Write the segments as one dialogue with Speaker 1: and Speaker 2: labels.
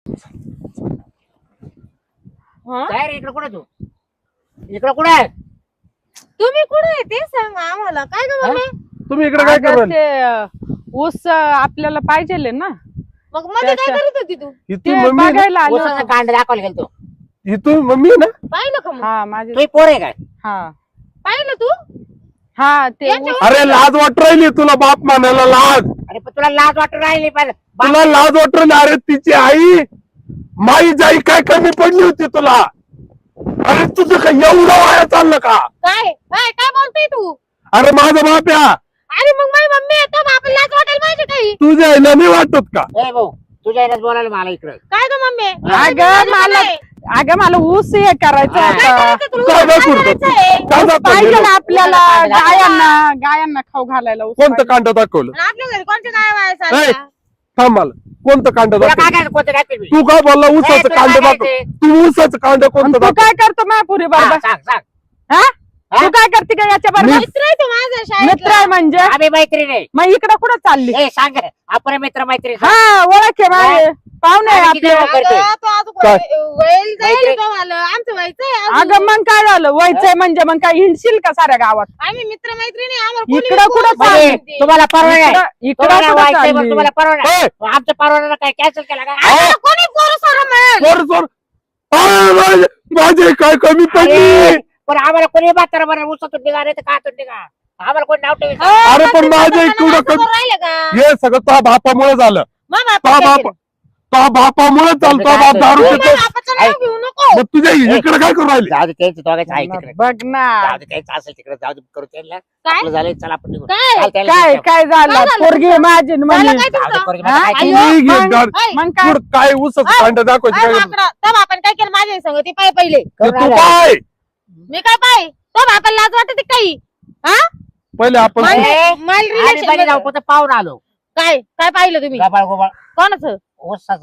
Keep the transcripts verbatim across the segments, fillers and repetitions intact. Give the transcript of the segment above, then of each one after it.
Speaker 1: काय रे इकडे कुठे तू इकडे कुठे आहे
Speaker 2: तुम्ही कुठे आहे ते सांगा आम्हाला. काय ग मम्मी?
Speaker 3: तुम्ही इकडे काय करता?
Speaker 4: ऊस आपल्याला पाहिजे ना,
Speaker 2: मग मध्ये काय करत होती तू?
Speaker 3: इथून मम्मी आहे ना?
Speaker 4: बघायला आलो.
Speaker 1: ऊसाचा कांड दाखवायला गेलतो.
Speaker 3: इथून मम्मी आहे ना?
Speaker 2: पाहिलं का मग?
Speaker 4: हा माझे
Speaker 1: तुझी पोर आहे काय
Speaker 4: हा
Speaker 2: पाहिलं तू?
Speaker 4: हा ते
Speaker 2: यांच्या
Speaker 4: ऊस-
Speaker 3: अरे लाज वाट राहिली तुला बाप मानायला लाज.
Speaker 1: अरे पण तुला लाज वाटून राहिली पण
Speaker 3: तुला लाज वाट राहिली. अरे तिची आई माई जाई काय कमी पडली होती तुला? अरे तुझं काय एवढं वाया चाललं का?
Speaker 2: काय काय काय बोलतोय तू?
Speaker 3: अरे माझा बाप या
Speaker 2: अरे मग माझी मम्मी आहे तर आपण लाज वाटायला पाहिजे काही.
Speaker 3: तुझ्या आईला नाही वाटत का?
Speaker 1: ए भाऊ तुझ्या यायलाच बोलायला मला इकडे
Speaker 2: काय ग मम्मी?
Speaker 4: अगं मला अगं मला ऊस हे करायचं
Speaker 1: हा.
Speaker 4: होतं.
Speaker 3: काय दाखवतो तू? काय दाखवतो?
Speaker 4: पाहिजे ना आपल्याला गायांना गायांना खाऊ घालायला ऊस
Speaker 3: कोणतं कांड दाखवलं?
Speaker 2: आपल्या घरी कोणते काय
Speaker 3: ए,
Speaker 2: व्हायचं?
Speaker 3: थांब मला कोणतं कांड
Speaker 1: तुला काय
Speaker 3: दाखवलं?
Speaker 1: काय कोणतं काय केलं?
Speaker 3: तू काय बोलला
Speaker 1: ए,
Speaker 3: ऊसाचं
Speaker 1: तुला
Speaker 3: कांड
Speaker 1: काय
Speaker 3: दाखव.
Speaker 1: करायचंय?
Speaker 3: तू ऊसाचं कांड
Speaker 4: आणि
Speaker 3: कोणतं
Speaker 4: तू
Speaker 3: दाखव?
Speaker 4: काय करतो महापुरी
Speaker 1: हा,
Speaker 4: बरोबर?
Speaker 1: सांग सांग
Speaker 4: हा तू काय करते का याच्या बरोबर?
Speaker 2: मित्र आहे तो माझा
Speaker 4: मित्र आहे
Speaker 2: शाळेतला.
Speaker 4: म्हणजे
Speaker 1: आम्ही मैत्रीण आहे.
Speaker 4: मग इकडं कुठं चालली?
Speaker 1: ए सांग आपण मित्र मैत्रीण
Speaker 4: हा ओळख आहे माझे पाहुणे आहे
Speaker 1: आम्ही किती
Speaker 4: आपले.
Speaker 1: लोकं करतोय?
Speaker 2: अगं, तो अजून
Speaker 3: काय?
Speaker 2: वैल जाईल
Speaker 1: मैत्री-
Speaker 2: तो मला. आमचं व्हायचंय अजून.
Speaker 4: अगं मग काय झालं व्हायचंय म्हणजे मग काय हिंडशील का साऱ्या गावात?
Speaker 2: आम्ही मित्र मैत्रिणी आम्हाला कोणी
Speaker 4: इकडं
Speaker 2: बोलू
Speaker 4: कुठं
Speaker 2: शकत
Speaker 1: म्हणजे
Speaker 2: नाही.
Speaker 1: तुम्हाला परवाना आहे
Speaker 4: इकडं इकडं
Speaker 1: तुम्हाला
Speaker 4: कुठं
Speaker 1: व्हायचंय मग
Speaker 4: चालली?
Speaker 1: तुम्हाला परवाना आहे.
Speaker 3: ए,
Speaker 1: आमच्या परवानाला काय कॅन्सल केला का
Speaker 2: आम्हाला कोणी पोरं सोरं मिळेल?
Speaker 3: सोड सोड. अरे, माझे- माझे काय कमी पडली?
Speaker 1: अरे, पण आम्हाला कोणी म्हातारा बरं उसातून निघा नाही तर कातून निघा आम्हाला कोणी नाव ठेवी
Speaker 3: अरे पण माझे
Speaker 2: असं
Speaker 3: इकडं
Speaker 2: करून राहिलं का?
Speaker 3: हे सगळं तो बापामुळे झालं.
Speaker 2: मग
Speaker 3: तो
Speaker 2: बापा काय
Speaker 3: बाप
Speaker 2: केलं?
Speaker 3: तो बापामुळे चालतो बाप दारू
Speaker 2: तू
Speaker 3: पितो.
Speaker 2: माझ्या बापाचं नाव घेऊ नको.
Speaker 3: मग तुझ्या इकडे काय करू राहिली?
Speaker 1: जाऊ दे त्यांचं दोघांचं आहे तिकडे
Speaker 4: बघ ना
Speaker 1: जाऊ दे त्यांचं असेल तिकडे जाऊ दे करू त्यांना
Speaker 2: काय
Speaker 1: आपलं झालं चला आपण निघू
Speaker 2: काय?
Speaker 1: चाल त्याला
Speaker 4: काय
Speaker 1: घेऊन
Speaker 4: काय
Speaker 2: काय
Speaker 4: झालं
Speaker 2: झालं
Speaker 4: पोरगी
Speaker 2: तुमचं?
Speaker 4: माझी न
Speaker 2: झालं
Speaker 4: म्हणे.
Speaker 2: काय
Speaker 1: जाऊ दे
Speaker 2: तुमचं?
Speaker 1: पोरगी,
Speaker 4: हा?
Speaker 1: मला काय
Speaker 2: अय्यो,
Speaker 1: केलं?
Speaker 3: तुम्ही घे दारू.
Speaker 2: ऐ,
Speaker 4: मग काय
Speaker 3: पुढं काय ऊसाचं
Speaker 2: ऐ,
Speaker 3: कांड दाखवायचं
Speaker 2: ऐ,
Speaker 3: काय?
Speaker 2: माकडा, तो बापाने काय केलं माझ्या संग ते पाय पहिले
Speaker 3: ते तू काय
Speaker 2: मी काय पाय तो बापाला लाज वाटते काही हा
Speaker 3: पहिले आपण
Speaker 2: मला-
Speaker 1: ए,
Speaker 2: मला
Speaker 1: आम्ही
Speaker 2: relation
Speaker 1: पहिले जाऊ
Speaker 2: मध्ये-
Speaker 1: फक्त पाहून आलो
Speaker 2: काय काय पाहिलं तुम्ही
Speaker 1: गबाळ गोबाळ
Speaker 2: कोणाचं
Speaker 1: ऊसाचं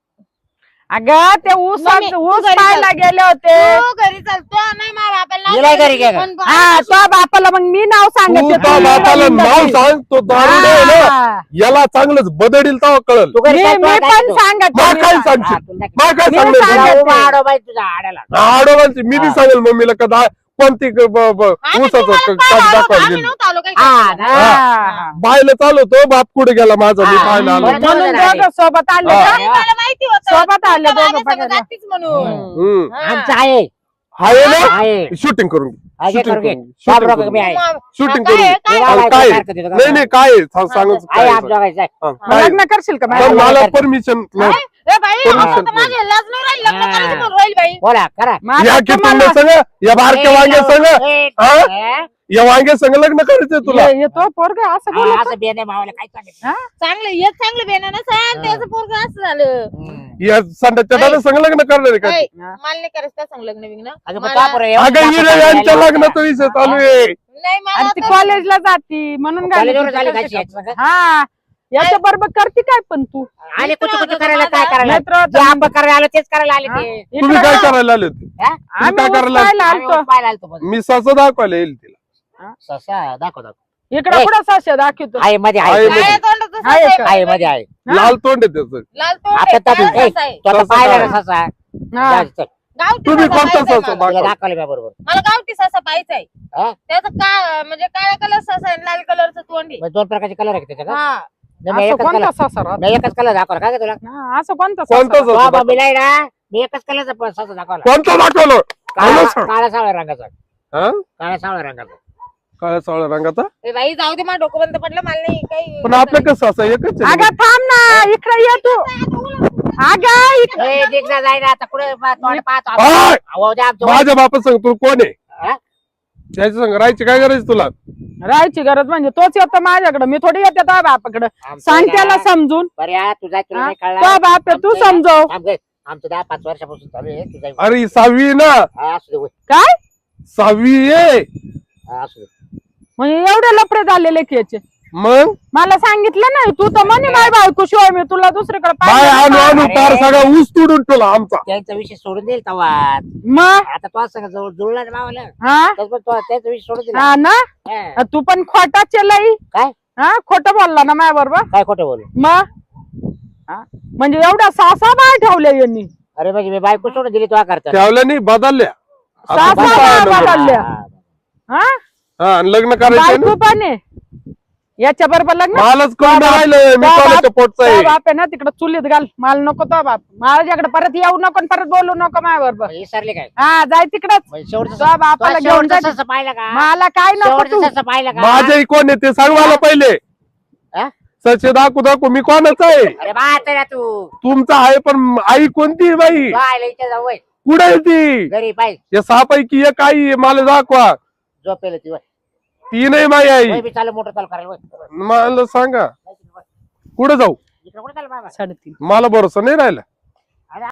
Speaker 4: अगं ते ऊस
Speaker 2: मम्मी,
Speaker 4: ऊस
Speaker 2: तू घरी
Speaker 4: पाहायला
Speaker 2: चल.
Speaker 4: गेले होते.
Speaker 2: तो घरी चालतो नाही माझ्या बापाला
Speaker 1: गेलाय घरी
Speaker 2: लाज
Speaker 1: गेला.
Speaker 2: वाटते. पण
Speaker 4: हा तो बापाला मग मी नाव
Speaker 3: तू
Speaker 4: सांगते
Speaker 3: त्या बापाला नाव सांग. तो दारुडे आहे ना
Speaker 4: हा.
Speaker 3: याला चांगलंच बदडील तेव्हा कळल.
Speaker 1: तू घरी
Speaker 4: मी
Speaker 1: चाल,
Speaker 4: मी
Speaker 1: तुला
Speaker 4: पण
Speaker 1: दाखवतो.
Speaker 4: सांगते
Speaker 3: मला
Speaker 4: मी
Speaker 3: काय
Speaker 4: सांग-
Speaker 1: हा,
Speaker 3: सांगशील?
Speaker 1: तुला दाखवतो.
Speaker 3: मला काय
Speaker 4: मी
Speaker 3: सांगणार
Speaker 4: सांगते.
Speaker 3: तुला?
Speaker 1: तुला उभा आडो बाई तुझ्या आड्याला
Speaker 3: आडोबांची मी बी
Speaker 1: हा.
Speaker 3: सांगेल मम्मीला का दा- कोणती क- ब- ब-
Speaker 2: आम्ही
Speaker 3: ऊसाचं
Speaker 2: तुम्हाला
Speaker 3: क-
Speaker 2: पाहायला
Speaker 3: कांड
Speaker 2: आलो,
Speaker 3: दाखवायला
Speaker 2: आम्ही
Speaker 3: गेली.
Speaker 2: नव्हतो आलो काही
Speaker 1: हा
Speaker 2: करायला.
Speaker 1: ना.
Speaker 4: हा.
Speaker 3: बायला चालवतो बाप कुठे गेला माझा मी
Speaker 1: हा.
Speaker 3: पाहायला आलो.
Speaker 1: बरं.
Speaker 4: म्हणून
Speaker 1: दोघं
Speaker 4: दोघं सोबत आले
Speaker 3: हा.
Speaker 4: का?
Speaker 2: आणि मला माहिती होतं
Speaker 4: सोबत आले
Speaker 2: तुमच्या
Speaker 4: दोघं
Speaker 2: बाबासंग
Speaker 4: बघायला.
Speaker 2: जातीच म्हणून
Speaker 3: हम्म.
Speaker 2: हा.
Speaker 1: आमचं आहे
Speaker 3: आहे ना
Speaker 1: आहे
Speaker 3: शूटिंग करून घे.
Speaker 1: आहे
Speaker 3: शूटिंग
Speaker 1: करू घे
Speaker 3: करून घे.
Speaker 1: बाप
Speaker 3: शूटिंग
Speaker 1: रोग
Speaker 3: करून
Speaker 1: मी
Speaker 3: घे.
Speaker 1: आहे
Speaker 2: मग-
Speaker 3: शूटिंग
Speaker 2: काय
Speaker 3: करून
Speaker 2: आहे?
Speaker 3: घे.
Speaker 2: काय
Speaker 1: हे
Speaker 2: आहे?
Speaker 1: बाबा,
Speaker 3: काय
Speaker 1: सारखं तिथं
Speaker 3: नाही नाही काय आहे? सांग- सांगच
Speaker 1: आहे
Speaker 3: काय
Speaker 1: आमच्या दोघांचं आहे.
Speaker 3: हा,
Speaker 4: मग
Speaker 3: काय?
Speaker 4: लग्न करशील का
Speaker 3: तर
Speaker 4: माझ्या?
Speaker 3: मला परमिशन
Speaker 2: काय? ए बाई
Speaker 3: Permission
Speaker 2: आता तर
Speaker 3: नाही.
Speaker 2: माझ्या लाज नाही राहिली लग्न
Speaker 1: हा.
Speaker 2: करायची म्हणून राहील बाई
Speaker 1: बोला करा
Speaker 4: माझं
Speaker 3: या की
Speaker 4: तुम्हाला-
Speaker 3: तुम्ही संग या बारक्या
Speaker 1: ए,
Speaker 3: वांग्या संग
Speaker 1: ए,
Speaker 3: हा?
Speaker 1: ए,
Speaker 3: या वांग्या संग लग्न करायचंय तुला
Speaker 4: ये- येतो पोरग असं
Speaker 1: हा,
Speaker 4: बोलत
Speaker 1: असं बेने मावाला काय सांगितलं
Speaker 4: हा?
Speaker 2: चांगलं येत चांगलं बेनानं सांग त्याचं पोरग असं झालं
Speaker 1: हम्म.
Speaker 3: या संडाच्या दादा संग लग्न करणार आहे का
Speaker 2: ऐ,
Speaker 4: हा.
Speaker 2: मला नाही करायचं त्या सांग लग्न बिग्न
Speaker 1: अगं मग
Speaker 2: मला-
Speaker 1: का बरं एवढं
Speaker 3: अगं
Speaker 1: जास्त
Speaker 3: हिरे यांच्या
Speaker 1: बोलायला
Speaker 3: लग्नाचा विषय चालू आहे.
Speaker 2: नाही मला
Speaker 4: आणि ती
Speaker 2: आता-
Speaker 4: कॉलेजला जाती म्हणून घाली
Speaker 1: कॉलेजवर
Speaker 4: तिचं
Speaker 1: झाली
Speaker 4: कसं
Speaker 1: खायची
Speaker 4: काय?
Speaker 1: याची सगळं.
Speaker 4: हा याच्या बरोबर करते काय पण तू
Speaker 1: आले कुठं कुठं करायला काय करायला
Speaker 4: मित्र
Speaker 1: जे आपण करायला आलो तेच करायला आले ते
Speaker 4: इकडं
Speaker 3: तुम्ही काय
Speaker 4: बघ.
Speaker 3: करायला आले होते
Speaker 1: हा?
Speaker 3: तुम्ही
Speaker 4: आम्ही
Speaker 3: काय
Speaker 4: ऊस
Speaker 3: करायला
Speaker 4: पाहायला
Speaker 1: आम्ही
Speaker 4: आलतो.
Speaker 1: पाहायला आलतो बघ.
Speaker 3: मी ससा दाखवायला येईल तिला
Speaker 1: ससा दाखव दाखव
Speaker 4: इकडं
Speaker 1: ए.
Speaker 4: कुठं साशा दाखवतो
Speaker 1: आहे मध्ये
Speaker 3: आहे
Speaker 1: आहे
Speaker 3: मध्ये.
Speaker 2: काय तोंडाचं
Speaker 4: आहे
Speaker 2: ससा
Speaker 4: का?
Speaker 2: आहे
Speaker 1: आहे
Speaker 2: बाई.
Speaker 1: मध्ये आहे
Speaker 4: हा?
Speaker 3: लाल तोंड आहे त्याचं
Speaker 2: लाल तोंड
Speaker 1: आता
Speaker 2: आहे,
Speaker 1: तातून
Speaker 2: काळा
Speaker 1: ए,
Speaker 2: ससा आहे.
Speaker 1: तू आता
Speaker 3: ससा
Speaker 1: पाहिला
Speaker 3: काय?
Speaker 1: ना ससा
Speaker 4: हा.
Speaker 1: जा, चल.
Speaker 2: गावठी
Speaker 3: तुम्ही
Speaker 2: ससा
Speaker 3: कोणता
Speaker 2: पाहायचा
Speaker 3: ससा
Speaker 2: मला.
Speaker 1: तुला
Speaker 3: दाखवा
Speaker 1: दाखवलं मी बरोबर
Speaker 2: मला गावठी ससा पाहायचा आहे
Speaker 1: हा?
Speaker 2: त्याचं का म्हणजे काळ्या कलर ससा आहे लाल कलरचं तोंड आहे.
Speaker 1: मग दोन प्रकारचे कलर आहे का त्याच्या का
Speaker 2: हा
Speaker 1: नाही, मी
Speaker 4: असं
Speaker 1: एकच
Speaker 4: कोणता
Speaker 1: कलर
Speaker 4: सासा राहतो?
Speaker 1: मी एकच कलर दाखवला काय तुला
Speaker 4: हा, असं कोणता
Speaker 3: कोणता
Speaker 4: सासा?
Speaker 3: ससा
Speaker 1: बाबा
Speaker 3: दाखवा?
Speaker 1: मिलाय ना मी एकच कलरचा ससा दाखवला
Speaker 3: कोणता दाखवलं
Speaker 1: काळा
Speaker 3: मला सांग.
Speaker 1: काळा सावळ्या रंगाचा
Speaker 3: हा?
Speaker 1: काळ्या सावळ्या रंगाचा
Speaker 3: काळ्या सावळ्या रंगाचा
Speaker 2: ए बाई जाऊ दे मला डोकं बंद पडलं मला नाही काही
Speaker 3: पण आपलं कसं असं एकच आहे ना.
Speaker 4: अगं थांब ना इकडे ये तू अगं इकडे
Speaker 1: ए, दिसला जाय ना आता कुठे तोंड पाहतो आपण.
Speaker 3: आय!
Speaker 1: अहो, द्या आमचं
Speaker 3: माझ्या बापा सांग तू कोण आहे
Speaker 1: हा?
Speaker 3: त्याच्या संग राहायची काय करायची तुला
Speaker 4: राहायची गरज म्हणजे तोच येतो माझ्याकडे मी थोडी येते तो बापाकडे
Speaker 1: आमचं
Speaker 4: सांग
Speaker 1: ना-
Speaker 4: त्याला समजून
Speaker 1: बरं या तुझा तुला
Speaker 4: हा?
Speaker 1: नाही
Speaker 4: तो
Speaker 1: कळला
Speaker 4: बाप आहे, तू
Speaker 1: आमचं-
Speaker 4: समजव
Speaker 1: थांब गं. आमचं दहा पाच वर्षापासून चालू आहे तुझा
Speaker 3: अरे ही सहावी आहे ना
Speaker 1: हा, असू दे होय.
Speaker 4: काय
Speaker 3: सहावी आहे
Speaker 1: हा, असू दे
Speaker 4: म्हणजे एवढे लफडे झालेले की याचे
Speaker 3: मग
Speaker 4: मला सांगितलं नाही तू तर म्हणे माय बायको शिवाय मी तुला दुसरीकडे
Speaker 3: बाय
Speaker 4: पाहिलं
Speaker 3: आणू
Speaker 4: नाही.
Speaker 3: आणू पार सगळा ऊस तुडून ठेवला आमचा
Speaker 1: त्यांचा विषय सोडून देईल तवा
Speaker 4: मग
Speaker 1: आता तो असं जवळ जुळला ना मावाला
Speaker 4: हा
Speaker 1: त्याच पण तो त्याचा विषय सोडून दिला
Speaker 4: हा ना
Speaker 1: हा.
Speaker 4: तू पण खोटा चलाई
Speaker 1: काय
Speaker 4: हा खोटं बोलला ना माझ्या बरोबर
Speaker 1: काय खोटं बोलू
Speaker 4: मग हा? म्हणजे एवढ्या सहा सहा बाया ठेवल्या यांनी.
Speaker 1: अरे म्हणजे मी बायको सोडून दिली तो करता
Speaker 3: ठेवल्या नाही बदलल्या आता
Speaker 4: सहा
Speaker 3: खूप
Speaker 4: सहा
Speaker 3: आहे
Speaker 4: बाया
Speaker 3: लग्न.
Speaker 4: बदलल्या. हा
Speaker 3: हा आणि लग्न करायचं
Speaker 4: बायको
Speaker 3: ना
Speaker 4: पण आहे याच्या बरोबर लग्न.
Speaker 3: मलाच कळून राहिलं मी
Speaker 4: तो
Speaker 3: कोणाच्या पोटचा
Speaker 4: तो
Speaker 3: आहे.
Speaker 4: बाप आहे ना तिकडे चुलीत घाल. मला नको तो बाप माझ्याकडे परत येऊ नको आणि परत बोलू नको माझ्या बरोबर.
Speaker 1: विसरले काय
Speaker 4: हा जाय तिकडच.
Speaker 1: म्हणजे शेवटचं
Speaker 4: तो बापाला
Speaker 1: तो
Speaker 4: घेऊन
Speaker 1: शेवटचं
Speaker 4: जा.
Speaker 1: ससं पाहिलं का
Speaker 4: मला काय नको तू.
Speaker 1: शेवटचं ससं पाहिलं का
Speaker 3: माझे कोण आहे ते सांग मला पहिले.
Speaker 1: हा?
Speaker 3: सचे दाखवू दाखवू मी कोणाचा आहे.
Speaker 1: अरे बा आता तू
Speaker 3: तुमचा आहे पण आई कोणती आहे बाई
Speaker 1: बायला इथे जाऊ वय.
Speaker 3: कुठे आहे ती
Speaker 1: घरी पाहिजे
Speaker 3: या सहा पैकी एक आई आहे, मला दाखवा.
Speaker 1: झोपेल ती वय.
Speaker 3: ती नाही माझी आई.
Speaker 1: वय बी चालू मोठं चालू करायला वय.
Speaker 3: मला सांगा कुठे जाऊ
Speaker 1: इकडे कुठे चालू बाबा
Speaker 4: साडेतीन
Speaker 3: मला भरोसा नाही राहिला.